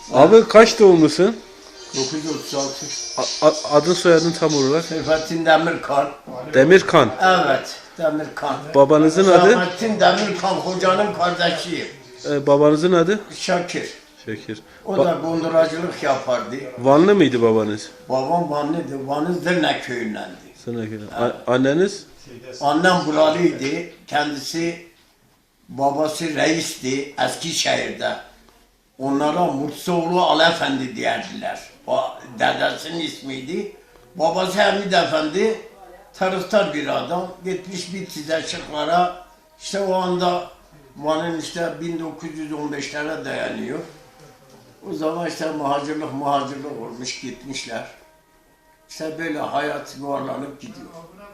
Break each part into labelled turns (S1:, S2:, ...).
S1: Abi kaç doğumlusun?
S2: 936.
S1: Adın soyadın tam olarak?
S2: Seyfettin Demirkan.
S1: Demirkan.
S2: Evet, Demirkan.
S1: Babanızın adı?
S2: Seyfettin Demirkan, hocanın kardeşiyim.
S1: Babanızın adı?
S2: Şakir.
S1: Şekir.
S2: O da konduracılık yapardı.
S1: Vanlı mıydı babanız?
S2: Babam Vanlı'dı. Vanlı Zırna köyündendi.
S1: Anneniz?
S2: Annem buralıydı. Kendisi, babası reisti Eskişehir'de. Onlara Murtsoğlu Alefendi diyerdiler. O dedesinin ismiydi. Babası Hamid Efendi, taraftar bir adam. Gitmiş bir Tizeşiklara. İşte o anda Van'ın işte 1915'lere dayanıyor. O zaman işte muhacirlik olmuş, gitmişler. İşte böyle hayat yuvarlanıp gidiyor.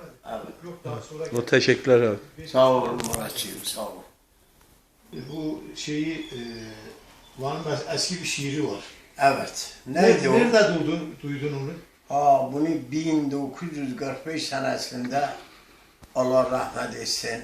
S2: Evet.
S1: Teşekkürler abi.
S2: Sağ olun Muratçığım, sağ olun.
S3: Bu şeyi Van'ın eski bir şiiri var.
S2: Evet. Neydi o?
S3: Nerede duydun onu?
S2: Bunu 1945 senesinde Allah rahmet etsin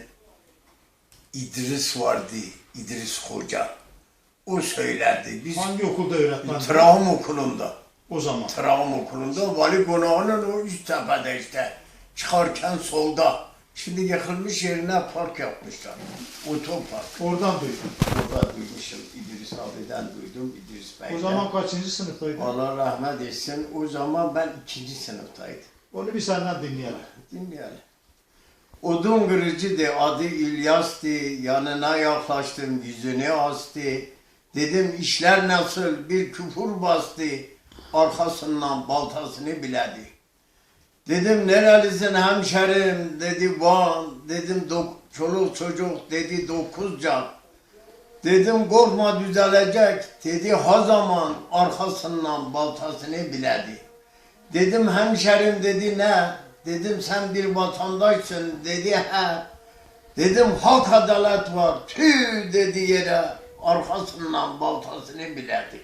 S2: İdris vardı, İdris Hoca. O söylerdi. Biz
S3: Hangi okulda öğretmen?
S2: Travma okulunda.
S3: O zaman.
S2: Travma okulunda vali konağının o üst tepede işte. Çıkarken solda. Şimdi yıkılmış yerine park yapmışlar. Otopark.
S3: Oradan duydum.
S2: Orada duymuşum. İdris abiden duydum. İdris Bey'den.
S3: O zaman kaçıncı sınıftaydın?
S2: Allah rahmet etsin. O zaman ben 2. sınıftaydım.
S3: Onu bir senden dinleyelim.
S2: Dinleyelim. Odun kırıcıydı, adı İlyas'tı. Yanına yaklaştım, yüzünü astı. Dedim işler nasıl, bir küfür bastı. Arkasından baltasını biledi. Dedim nerelisin hemşerim, dedi Van. Dedim çoluk çocuk, dedi 9 can. Dedim korkma düzelecek, dedi ha zaman arkasından baltasını biledi. Dedim hemşerim, dedi ne? Dedim sen bir vatandaşsın, dedi he. Dedim hak adalet var, tüh dedi yere, arkasından baltasını biledi.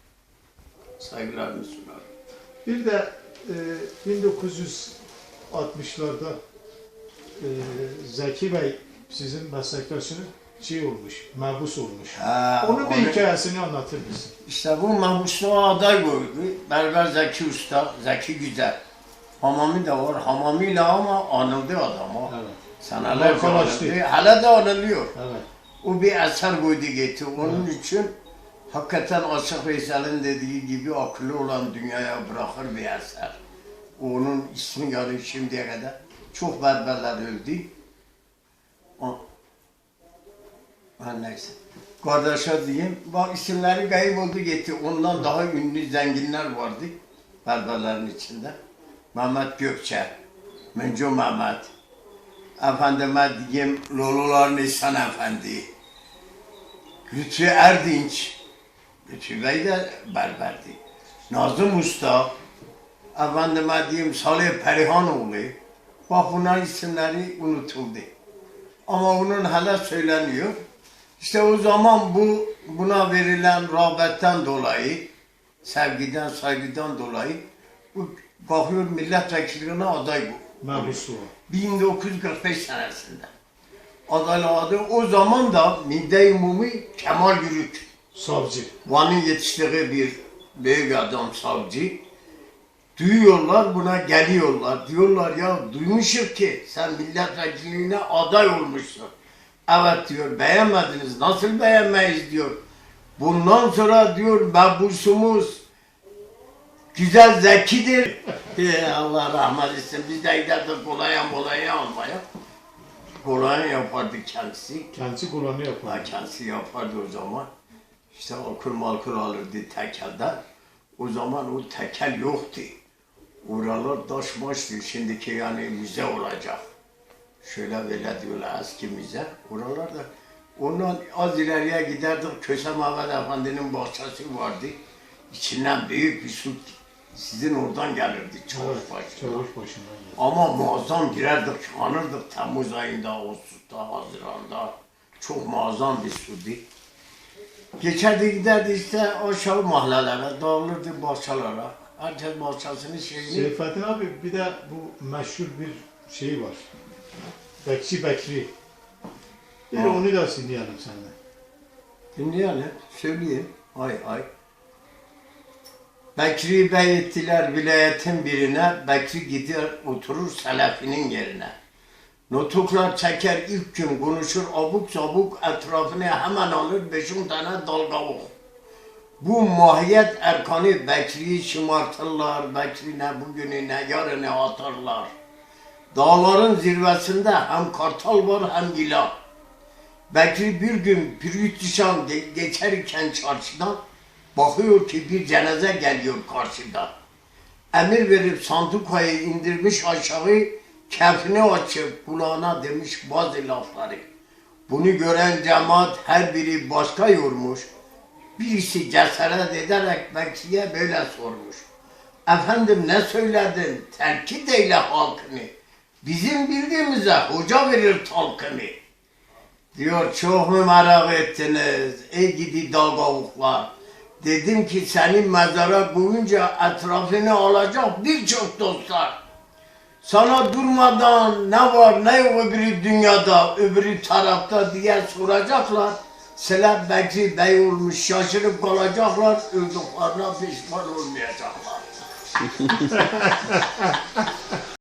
S2: Saygılarımı sunarım.
S3: Bir de 1960'larda Zeki Bey sizin meslektaşınız şey olmuş, mahpus olmuş. Onun bir hikayesini anlatır mısın?
S2: İşte bu mahpusluğa aday koydu. Berber Zeki Usta, Zeki Güzel. Hamami de var. Hamamiyle ama anıldı adam o.
S3: Evet.
S2: Senelerce
S3: Markalaştı.
S2: anıldı. Hala da anılıyor.
S3: Evet.
S2: O bir eser koydu gitti. Onun için hakikaten Aşık Veysel'in dediği gibi akıllı olan dünyaya bırakır bir eser. Onun ismi yani şimdiye kadar çok berberler öldü. Neyse. Kardeşe diyeyim, bak isimleri kayıp oldu gitti. Ondan daha ünlü zenginler vardı berberlerin içinde. Mehmet Gökçe, Müncu Mehmet, efendime diyeyim Lolular Nisan Efendi, Lütfü Erdinç, Lütfü Bey de berberdi. Nazım Usta, efendime diyeyim Salih Perihanoğlu, bak bunların isimleri unutuldu. Ama onun hala söyleniyor. İşte o zaman buna verilen rağbetten dolayı, sevgiden, saygıdan dolayı bu bakıyor milletvekilliğine aday bu.
S3: Mahpusluğa.
S2: 1945 senesinde. Adayladı. O zaman da Mide-i Umumi Kemal Yürük.
S3: Savcı.
S2: Van'ın yetiştiği bir büyük adam savcı. Duyuyorlar buna geliyorlar. Diyorlar ya duymuşuz ki sen milletvekilliğine aday olmuşsun. Evet diyor, beğenmediniz. Nasıl beğenmeyiz diyor. Bundan sonra diyor mahpusumuz güzel zekidir. Allah rahmet etsin. Biz de giderdik kolonya almaya. Kolonya yapardı kendisi.
S3: Kendisi kullanı yapar.
S2: Kendisi yapardı o zaman. İşte alkol alırdı tekelden. O zaman o tekel yoktu. Oralar taşmıştı. Şimdiki yani müze olacak. Şöyle böyle diyorlar eski müze. Oralarda ondan az ileriye giderdik. Köse Mehmet Efendi'nin bahçesi vardı. İçinden büyük bir su sizin oradan gelirdi Çavuşbaşı'ndan.
S3: Çavuşbaşı'ndan geldi.
S2: Ama muazzam girerdik, çıkanırdık Temmuz ayında, Ağustos'ta, Haziran'da. Çok muazzam bir suydu. Geçerdi giderdi işte aşağı mahallelere, dağılırdı bahçelere. Herkes bahçesinin şeyini...
S3: Seyfettin abi bir de bu meşhur bir şey var. Bekçi Bekri. Bir onu da dinleyelim seninle.
S2: Dinleyelim, söyleyeyim. Ay ay. Bekri Bey ettiler vilayetin birine, Bekri gider oturur Selefi'nin yerine. Nutuklar çeker ilk gün konuşur abuk sabuk etrafını hemen alır 5-10 tane dalgavuk. Bu mahiyet erkanı Bekri'yi şımartırlar, Bekri'ne bugününe yarını atarlar. Dağların zirvesinde hem kartal var hem yılan. Bekri bir gün Pürütüşan geçerken çarşıdan bakıyor ki bir cenaze geliyor karşıda. Emir verip sandukayı indirmiş aşağı, kefini açıp kulağına demiş bazı lafları. Bunu gören cemaat her biri başka yormuş. Birisi cesaret ederek Bekri'ye böyle sormuş. Efendim ne söyledin? Terkit eyle halkını. Bizim bildiğimize hoca verir talkını. Diyor çok mu merak ettiniz ey gidi dalgavuklar. Dedim ki senin mezara koyunca etrafını alacak birçok dostlar. Sana durmadan ne var ne yok öbürü dünyada, öbürü tarafta diye soracaklar. Selam Bekri Bey olmuş şaşırıp kalacaklar, öldüklerine pişman olmayacaklar.